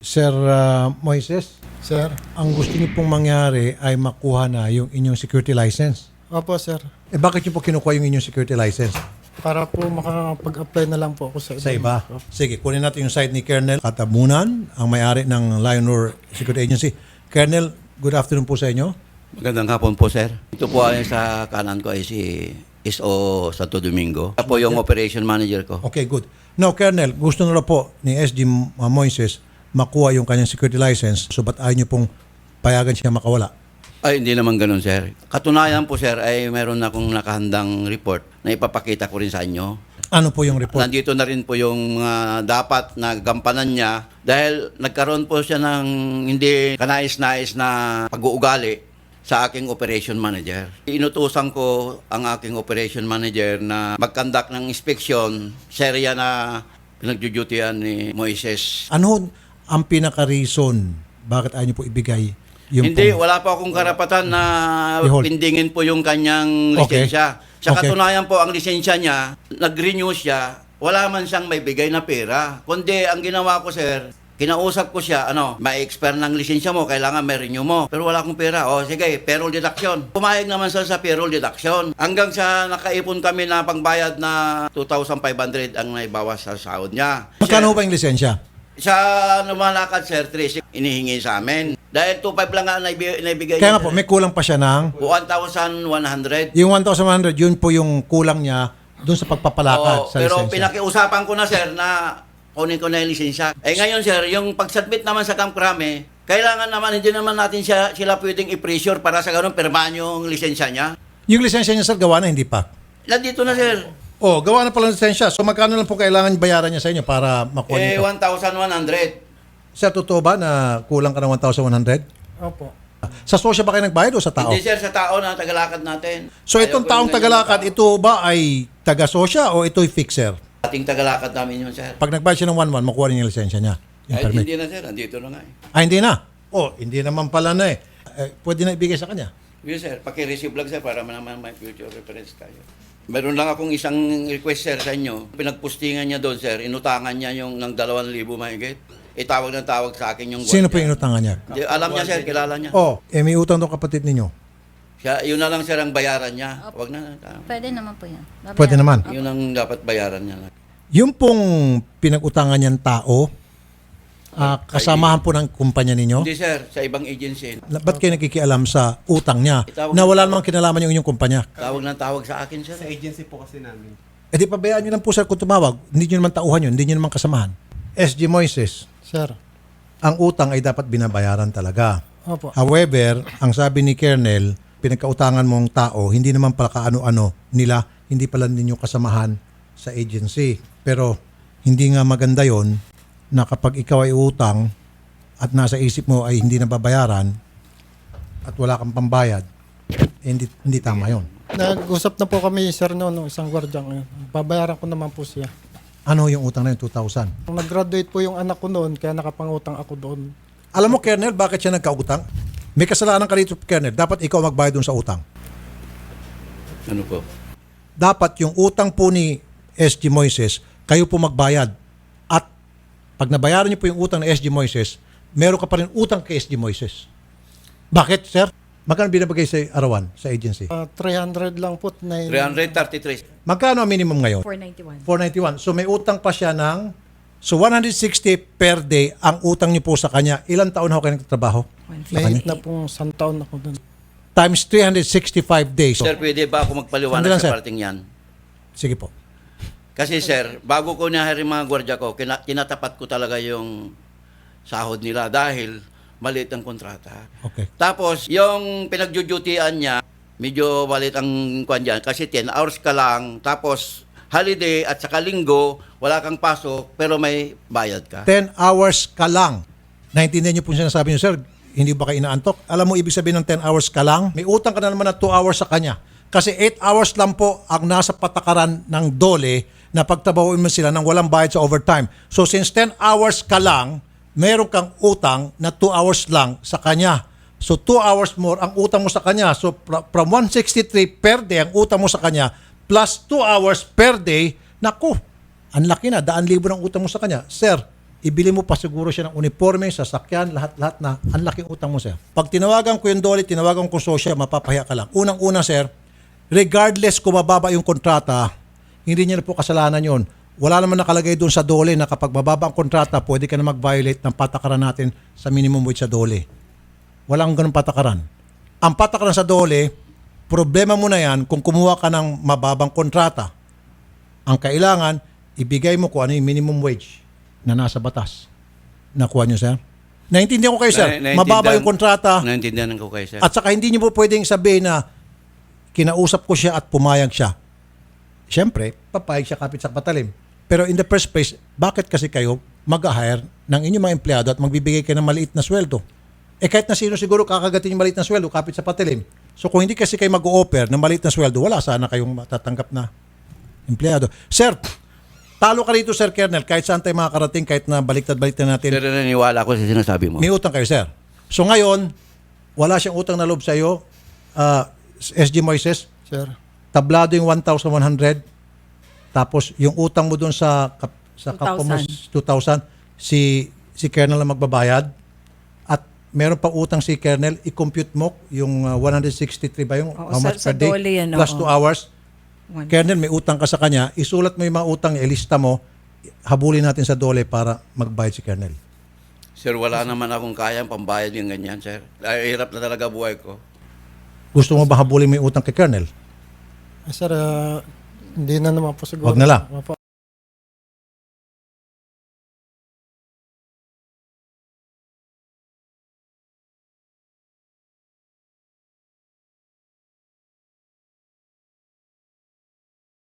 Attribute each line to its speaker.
Speaker 1: Sir Moises,
Speaker 2: Sir.
Speaker 1: ang gusto niyo pong mangyari ay makuha na yung inyong security license.
Speaker 2: Opo, sir.
Speaker 1: Eh bakit niyo po kinukuha yung inyong security license?
Speaker 2: Para po makapag-apply na lang po ako sa
Speaker 1: Sa iba? Sige, kunin natin yung side ni Colonel Katabunan, ang may-ari ng Lionor Security Agency. Colonel, good afternoon po sa inyo.
Speaker 3: Magandang hapon po, sir. Ito po ay sa kanan ko ay si SO Santo Domingo. Ito po yung operation manager ko.
Speaker 1: Okay, good. Now, Colonel, gusto na po ni SG Moises makuha yung kanyang security license, so ba't ayaw niyo pong payagan siya makawala?
Speaker 3: Ay, hindi naman ganun, sir. Katunayan po, sir, ay meron akong nakahandang report na ipapakita ko rin sa inyo.
Speaker 1: Ano po yung report?
Speaker 3: Nandito na rin po yung dapat na gampanan niya dahil nagkaroon po siya ng hindi kanais-nais na pag-uugali sa aking operation manager. Inutusan ko ang aking operation manager na mag-conduct ng inspection sa area na pinagdudutian ni Moises.
Speaker 1: Ano ang pinaka-reason bakit ayaw niyo po ibigay yung
Speaker 3: Hindi,
Speaker 1: pong-
Speaker 3: wala pa akong karapatan na
Speaker 1: I-hold.
Speaker 3: pindingin po yung kanyang
Speaker 1: Okay.
Speaker 3: lisensya. Sa
Speaker 1: Okay.
Speaker 3: katunayan po, ang lisensya niya, nag-renew siya, wala man siyang may bigay na pera. Kundi, ang ginawa ko, sir, kinausap ko siya, ma-expire ng lisensya mo, kailangan may renew mo. Pero wala akong pera. O, sige, payroll deduction. Pumayag naman siya sa payroll deduction. Hanggang sa nakaipon kami na pangbayad na 2,500 ang naibawas sa sahod niya.
Speaker 1: Magkano ba yung lisensya?
Speaker 3: Sa lumalakad, sir, 3 inihingi sa amin. Dahil 2,500 lang nga naibigay
Speaker 1: Kaya
Speaker 3: niya,
Speaker 1: nga po,
Speaker 3: sir.
Speaker 1: may kulang pa siya ng
Speaker 3: 1,100.
Speaker 1: yung 1,100, yun po yung kulang niya doon sa pagpapalakad
Speaker 3: Oo,
Speaker 1: sa
Speaker 3: pero
Speaker 1: lisensya.
Speaker 3: pinakiusapan ko na, sir, na kunin ko na yung lisensya. Eh ngayon, sir, yung pag-submit naman sa Camp Crame, kailangan naman, hindi naman natin sila pwedeng i-pressure para sa ganun, pirmahan yung lisensya niya.
Speaker 1: Yung lisensya niya, sir, gawa na, hindi pa.
Speaker 3: Nandito na, sir.
Speaker 1: Oh, gawa na pala ng lisensya. So magkano lang po kailangan bayaran niya sa inyo para makuha niyo ito?
Speaker 3: 1,100.
Speaker 1: Sir, totoo ba na kulang ka ng 1,100?
Speaker 2: Opo.
Speaker 1: Sa sosya ba kayo nagbayad o sa tao?
Speaker 3: Hindi, sir, sa tao na tagalakad natin.
Speaker 1: So itong taong tagalakad, ito ba ay taga-sosya o ito'y fixer?
Speaker 3: Ating tagalakad namin yun, sir.
Speaker 1: Pag nagbayad siya ng 1,100, makuha rin yung lisensya niya. Yung
Speaker 3: Ay,
Speaker 1: permit.
Speaker 3: hindi na, sir. Nandito na nga eh.
Speaker 1: Ah, hindi na. Oh, hindi naman pala na eh. Pwede na ibigay sa kanya.
Speaker 3: Yes, sir. Paki-receive lang, sir, para naman may future reference tayo. Meron lang akong isang request, sir, sa inyo. Pinagpustingan niya doon, sir. Inutangan niya yung ng 2,000 mahigit. Itawag ng tawag sa akin yung
Speaker 1: Sino po
Speaker 3: gwardiya.
Speaker 1: yung inutangan niya?
Speaker 3: Di, alam niya, sir. Kilala niya.
Speaker 1: Oh, may utang tong kapatid ninyo.
Speaker 3: Siya, yun na lang, sir, ang bayaran niya. Wag na.
Speaker 4: Pwede naman po yan. Babayaran.
Speaker 1: Pwede naman.
Speaker 3: Yun ang dapat bayaran niya.
Speaker 1: Yung pong pinag-utangan niyang tao, kasamahan po ng kumpanya ninyo,
Speaker 3: Hindi, sir. Sa ibang agency.
Speaker 1: ba't kayo nakikialam sa utang niya na wala namang kinalaman yung inyong kumpanya?
Speaker 3: Tawag ng tawag sa akin, sir.
Speaker 5: Sa agency po kasi namin.
Speaker 1: Eh di pabayaan nyo lang po sir kung tumawag. Hindi nyo naman tauhan yun, hindi nyo naman kasamahan. SG Moises,
Speaker 2: Sir.
Speaker 1: ang utang ay dapat binabayaran talaga.
Speaker 2: Opo.
Speaker 1: However, ang sabi ni Colonel, pinagkautangan mong tao, hindi naman pala kaano-ano nila, hindi pala ninyo kasamahan sa agency. Pero hindi nga maganda yon na kapag ikaw ay utang at nasa isip mo ay hindi nababayaran at wala kang pambayad, eh, hindi tama yon.
Speaker 2: Nag-usap na po kami, sir, noon, isang gwardiya ngayon. Babayaran ko naman po siya.
Speaker 1: Ano yung utang na yun? 2,000.
Speaker 2: Nag-graduate po yung anak ko noon, kaya nakapangutang ako doon.
Speaker 1: Alam mo, Colonel, bakit siya nagkautang? May kasalanan ka dito, Colonel. Dapat ikaw magbayad dun sa utang.
Speaker 3: Ano po?
Speaker 1: Dapat yung utang po ni SG Moises, kayo po magbayad. At pag nabayaran niyo po yung utang ni SG Moises, meron ka pa rin utang kay SG Moises. Bakit, sir? Magkano binabagay sa arawan, sa agency?
Speaker 2: 300 lang po.
Speaker 3: 333.
Speaker 1: Magkano ang minimum ngayon?
Speaker 4: 491.
Speaker 1: 491. So may utang pa siya ng... So 160 per day ang utang niyo po sa kanya. Ilang taon na ho kayo nagtatrabaho?
Speaker 2: May na pong isang taon ako doon.
Speaker 1: Times 365 days.
Speaker 3: Sir, pwede ba ako magpaliwanag
Speaker 1: Sandali lang, sir.
Speaker 3: sa parting yan?
Speaker 1: Sige po.
Speaker 3: Kasi sir, bago ko nahari mga gwardiya ko, tinatapat ko talaga yung sahod nila dahil maliit ang kontrata.
Speaker 1: Okay.
Speaker 3: Tapos, yung pinagdudutian niya, medyo maliit ang kwan dyan kasi 10 hours ka lang, tapos holiday at saka linggo, wala kang pasok, pero may bayad ka.
Speaker 1: 10 hours ka lang. Naintindihan niyo po yung sinasabi niyo, sir, hindi ba kayo inaantok? Alam mo, ibig sabihin ng 10 hours ka lang, may utang ka na naman na 2 hours sa kanya. Kasi 8 hours lang po ang nasa patakaran ng DOLE na pagtabahuin mo sila ng walang bayad sa overtime. So since 10 hours ka lang, meron kang utang na 2 hours lang sa kanya. So 2 hours more ang utang mo sa kanya. So from 163 per day ang utang mo sa kanya plus 2 hours per day, naku, ang laki na, 100,000 ng utang mo sa kanya. Sir, ibili mo pa siguro siya ng uniforme, sasakyan, lahat-lahat na ang laking utang mo, sir. Pag tinawagan ko yung Dole, tinawagan ko Sosya, mapapahiya ka lang. Unang-una, sir, regardless kung mababa yung kontrata, hindi niya na po kasalanan yon. Wala naman nakalagay doon sa Dole na kapag mababa ang kontrata, pwede ka na mag-violate ng patakaran natin sa minimum wage sa Dole. Walang ganun patakaran. Ang patakaran sa Dole, problema mo na yan kung kumuha ka ng mababang kontrata. Ang kailangan, ibigay mo kung ano yung minimum wage na nasa batas. Nakuha niyo, sir? Naintindihan ko kayo, sir. Mababa yung kontrata.
Speaker 3: Naintindihan ko kayo, sir.
Speaker 1: At saka hindi niyo po pwedeng sabihin na kinausap ko siya at pumayag siya. Siyempre, papayag siya kapit sa patalim. Pero in the first place, bakit kasi kayo mag-hire ng inyong mga empleyado at magbibigay kayo ng maliit na sweldo? Eh kahit na sino siguro kakagatin yung maliit na sweldo kapit sa patalim. So kung hindi kasi kayo mag-o-offer ng maliit na sweldo, wala sana kayong matatanggap na empleyado. Sir, talo ka rito, Sir Kernel, kahit saan tayo makakarating, kahit na baliktad-baliktad natin.
Speaker 3: Pero naniniwala ako sa sinasabi mo.
Speaker 1: May utang kayo, sir. So ngayon, wala siyang utang na loob sa iyo. SG Moises,
Speaker 2: Sir.
Speaker 1: tablado yung 1,100. Tapos yung utang mo doon sa kapwa mo 2,000, si Kernel na magbabayad. At meron pa utang si Kernel, i-compute mo yung 163 ba yung
Speaker 5: Oo,
Speaker 1: how much
Speaker 5: sa
Speaker 1: per day?
Speaker 5: Dole yan,
Speaker 1: Plus
Speaker 5: oo.
Speaker 1: 2 hours.
Speaker 5: One.
Speaker 1: Kernel, may utang ka sa kanya, isulat mo yung mga utang, ilista mo, habulin natin sa Dole para magbayad si Kernel.
Speaker 3: Sir, wala naman akong kayang pambayad yung ganyan, sir. Ay, hirap na talaga buhay ko.
Speaker 1: Gusto mo ba habulin mo yung utang kay Kernel?
Speaker 2: Sir, hindi na naman po siguro.
Speaker 1: Wag na lang.
Speaker 2: Opo.